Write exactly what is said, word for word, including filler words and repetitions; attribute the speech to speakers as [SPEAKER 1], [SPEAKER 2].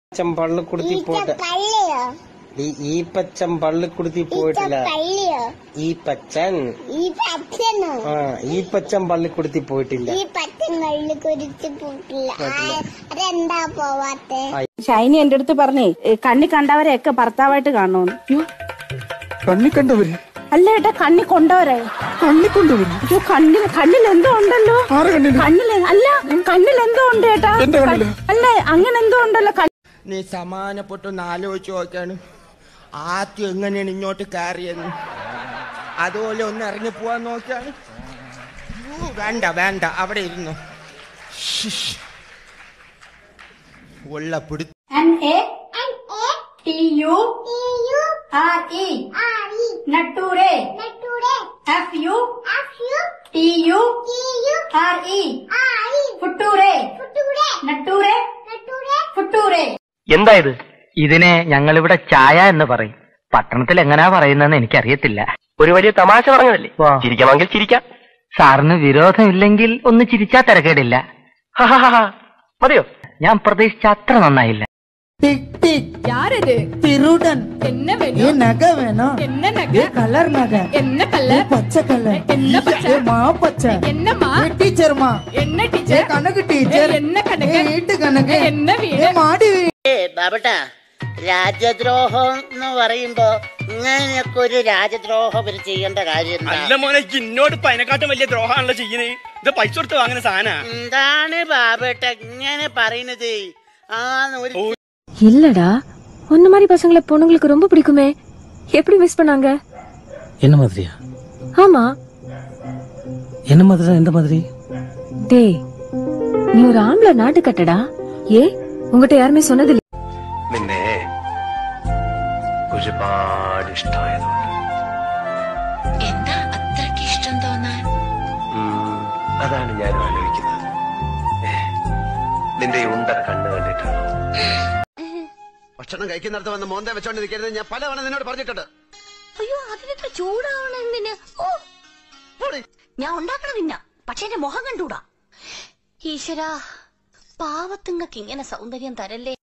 [SPEAKER 1] പച്ചം പള്ളു കുടുത്തി പോയിട്ട് ഈ പച്ചം പള്ളു കുടുത്തി പോയിട്ടില്ല. ഈ പച്ചൻ ആ ഈ പച്ചൻ പള്ളി കുടുത്തി പോയിട്ടില്ല.
[SPEAKER 2] ഷൈനി എന്റെ അടുത്ത് പറഞ്ഞേ കണ്ണി കണ്ടവരെയൊക്കെ ഭർത്താവായിട്ട് കാണുന്നു.
[SPEAKER 3] കണ്ണി കണ്ടവര്
[SPEAKER 2] അല്ല ഏട്ടാ, കണ്ണി കൊണ്ടവരെ.
[SPEAKER 3] കണ്ണി കൊണ്ടവര്
[SPEAKER 2] കണ്ണിൽ കണ്ണിൽ എന്തോ ഉണ്ടല്ലോ. കണ്ണിൽ അല്ല കണ്ണിൽ എന്തോ ഉണ്ട് ഏട്ടാ. അല്ല അങ്ങനെ എന്തോ ഉണ്ടല്ലോ.
[SPEAKER 4] നീ സമാനപ്പെട്ടൊന്ന് ആലോചിച്ച് നോക്കാണ്. ആദ്യം എങ്ങനെയാണ് ഇങ്ങോട്ട് കയറിയെന്ന് അതുപോലെ ഒന്ന് ഇറങ്ങി പോവാൻ നോക്കിയാണ്. വേണ്ട വേണ്ട അവിടെ ഇരുന്നു ഉള്ള പിടി.
[SPEAKER 2] നട്ടൂരെ F U T U R E ഫുട്ടൂരെ നട്ടൂരെ ഫുട്ടൂരെ.
[SPEAKER 5] എന്താ ഇത്? ഇതിനെ ഞങ്ങളിവിടെ ചായ എന്ന് പറയും. പട്ടണത്തിൽ എങ്ങനെയാ പറയുന്നതെന്ന് എനിക്കറിയത്തില്ല. ഒരു വലിയ തമാശ പറഞ്ഞതല്ലേ, ചിരിക്കാമെങ്കിൽ ചിരിക്കാം. സാറിന് വിരോധമില്ലെങ്കിൽ ഒന്ന് ചിരിച്ചാ തിരക്കേടില്ല. മതിയോ? ഞാൻ പ്രതീക്ഷിച്ച അത്ര നന്നായില്ല.
[SPEAKER 6] തിരുടൻ എന്നെ നഗ വേണോ? കളർ നഗ എന്നെ കല്ലർ പച്ച കല്ലർ എന്നെ പച്ച മാപ്പച്ച എന്നെ മാ ടീച്ചർ മാ എന്നെ ടീച്ചർ കണക്ക് ടീച്ചർ എന്നെ കണക്ക് വീട്ട് കണക്ക് എന്നെ വീട് മാടി.
[SPEAKER 7] ബാബട്ടാ, രാജ്യദ്രോഹം എന്ന് പറയുമ്പോ ഇങ്ങനെയൊക്കെ ഒരു രാജ്യദ്രോഹം ഇവര് ചെയ്യേണ്ട കാര്യം
[SPEAKER 8] അല്ല മോനെ, ഇന്നോട് ഇപ്പൊ അതിനെക്കാട്ടും വലിയ ദ്രോഹമാണല്ലോ ചെയ്യുന്നത്. ഇത് പൈസ കൊടുത്ത് വാങ്ങുന്ന സാധന.
[SPEAKER 7] എന്താണ് ബാബട്ട ഇങ്ങനെ പറയുന്നത്? ആ
[SPEAKER 9] இல்லடா ஒன்ன மாதிரி பசங்களை பொண்ணுங்களுக்கு ரொம்ப பிடிக்குமே, எப்படி மிஸ் பண்ணாங்க?
[SPEAKER 3] என்ன மாதிரியா?
[SPEAKER 9] ஆமா.
[SPEAKER 3] என்ன மாதிரி? எந்த மாதிரி?
[SPEAKER 9] டேய், நீ ஒரு ஆம்பளை நாட்டு கட்டடா. ஏ உங்ககிட்ட யாருமே சொன்னது இல்ல?
[SPEAKER 10] നിന്നെ ഒരുപാട് ഇഷ്ടമായതുകൊണ്ട്.
[SPEAKER 11] എന്താ അത്രയ്ക്ക് ഇഷ്ടം തോന്നാൻ?
[SPEAKER 10] അതാണ് ഞാൻ ആലോചിക്കുന്നത്. നിന്റെ ഉണ്ട കണ്ണ് കണ്ടിട്ടാണ്. ഭക്ഷണം കഴിക്കുന്നിടത്ത് വന്ന് മോന്തെ വെച്ചോണ്ട് നിൽക്കരുത് ഞാൻ പലവണ നിന്നോട് പറഞ്ഞിട്ടുണ്ട്.
[SPEAKER 11] അയ്യോ, അതിനൊക്കെ ചൂടാവണെന്തിന്? ഞാൻ ഉണ്ടാക്കണം തിന്ന, പക്ഷെ എന്റെ മുഖം കണ്ടൂടാ. ഈശ്വരാ, പാവത്തുങ്ങൾക്ക് ഇങ്ങനെ സൗന്ദര്യം തരല്ലേ.